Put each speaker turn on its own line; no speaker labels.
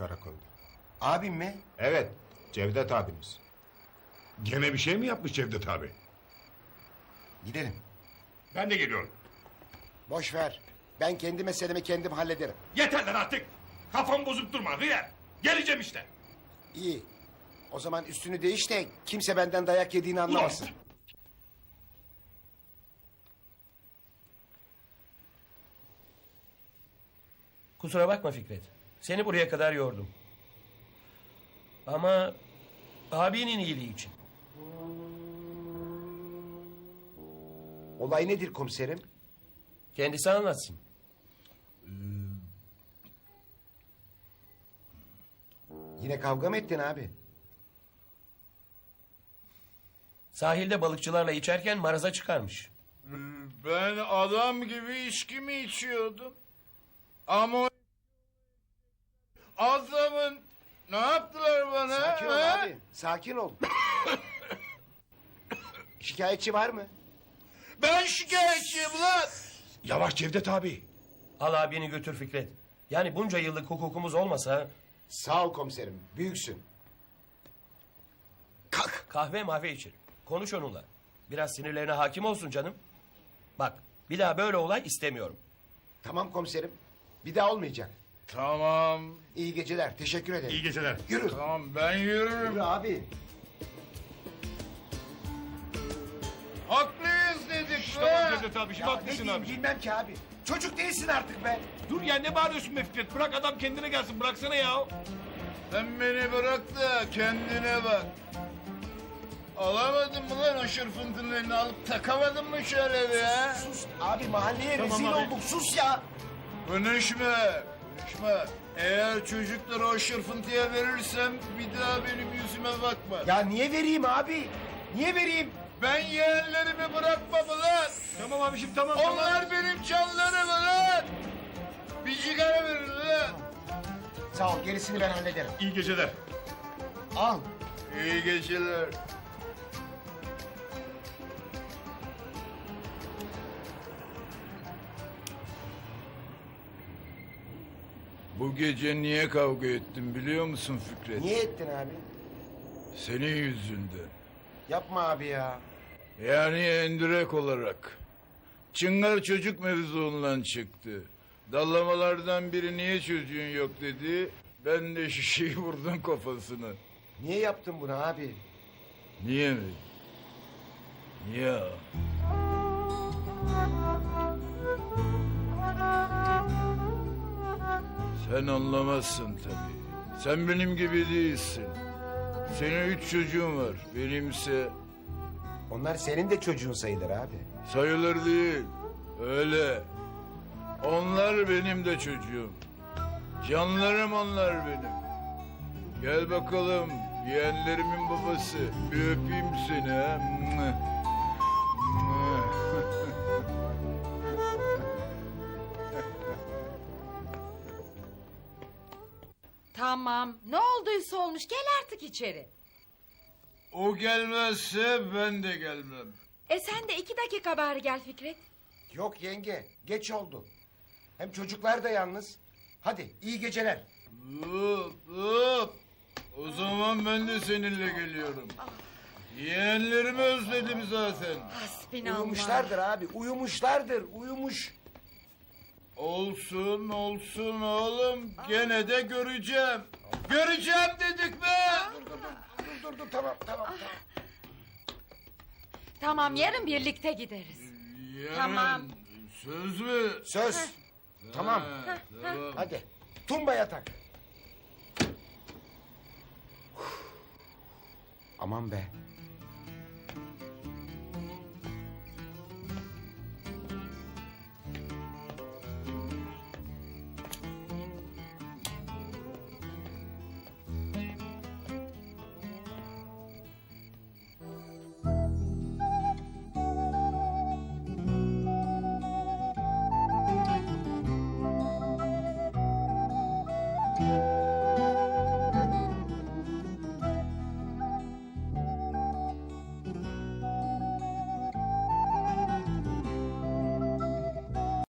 karakolda.
Abim mi?
Evet, Cevdet abiniz.
Gene bir şey mi yapmış Cevdet abi?
Gidelim.
Ben de geliyorum.
Boş ver. Ben kendi meselemi kendim hallederim.
Yeter lan artık. Kafamı bozup durma Hıyar. Geleceğim işte.
İyi. O zaman üstünü değiş de kimse benden dayak yediğini anlamasın.
Kusura bakma Fikret. Seni buraya kadar yordum. Ama abinin iyiliği için.
Olay nedir komiserim?
Kendisi anlatsın.
Yine kavga mı ettin abi?
Sahilde balıkçılarla içerken maraza çıkarmış.
Ben adam gibi içki mi içiyordum? Ama adamın ne yaptılar bana?
Sakin ol
ha?
abi. Sakin ol. Şikayetçi var mı?
Ben şikayetçiyim lan.
Yavaş Cevdet abi.
Al abini götür Fikret. Yani bunca yıllık hukukumuz olmasa
Sağ ol komiserim. Büyüksün. Kalk.
kahve mahve içir. Konuş onunla. Biraz sinirlerine hakim olsun canım. Bak bir daha böyle olay istemiyorum.
Tamam komiserim. Bir daha olmayacak.
Tamam.
İyi geceler. Teşekkür ederim.
İyi geceler.
Yürü.
Tamam ben yürürüm.
Yürü abi.
Haklıyız dedik be.
Tamam Cevdet abi, şimdi
Ya ne
haklısın
diyeyim
abi.
bilmem ki abi. Çocuk değilsin artık be.
Dur ya, ne bağırıyorsun be Fikret? Bırak adam kendine gelsin, bıraksana ya.
Sen beni bırak da kendine bak. Alamadın mı lan o şırfıntının elini alıp takamadın mı şöyle bir ha?
Sus abi mahalleye
Tamam
rezil
abi.
olduk. Sus ya.
Konuşma, konuşma. Eğer çocukları o şırfıntıya verirsem bir daha benim yüzüme bakma.
Ya niye vereyim abi? Niye vereyim?
Ben yeğenlerimi bırakmam lan.
Tamam abiciğim, tamam.
Onlar benim canlarım lan. Bir sigara verin lan.
Sağ ol gerisini ben hallederim.
İyi geceler.
Al.
İyi geceler. Bu gece niye kavga ettim biliyor musun Fikret?
Niye ettin abi?
Senin yüzünden.
Yapma abi ya.
Yani endirek olarak. Çıngar çocuk mevzuundan çıktı. Dallamalardan biri niye çocuğun yok dedi. Ben de şişeyi vurdum kafasına.
Niye yaptın bunu abi?
Niye mi? Ya. Sen anlamazsın tabii. Sen benim gibi değilsin. Senin 3 çocuğun var. Benimse
Onlar senin de çocuğun sayılır abi.
sayılır değil. Öyle. Onlar benim de çocuğum. Canlarım onlar benim. Gel bakalım yeğenlerimin babası. Bir öpeyim seni ha.
Tamam. Ne olduysa olmuş. Gel artık içeri.
O gelmezse ben de gelmem.
Sen de 2 dakika bari gel Fikret.
Yok yenge geç oldu. Hem çocuklar da yalnız. Hadi iyi geceler.
Hop hop. O zaman ben de seninle geliyorum. Yeğenlerimi özledim zaten.
Hasbinallah.
Uyumuşlardır abi uyumuşlardır uyumuş.
Olsun olsun oğlum. Gene de göreceğim. Göreceğim dedik be.
Dur tamam.
Tamam yarın birlikte gideriz.
Yarın.
Tamam.
Söz mü?
Söz. Tamam.
Tamam.
Hadi tumba yatak. Aman be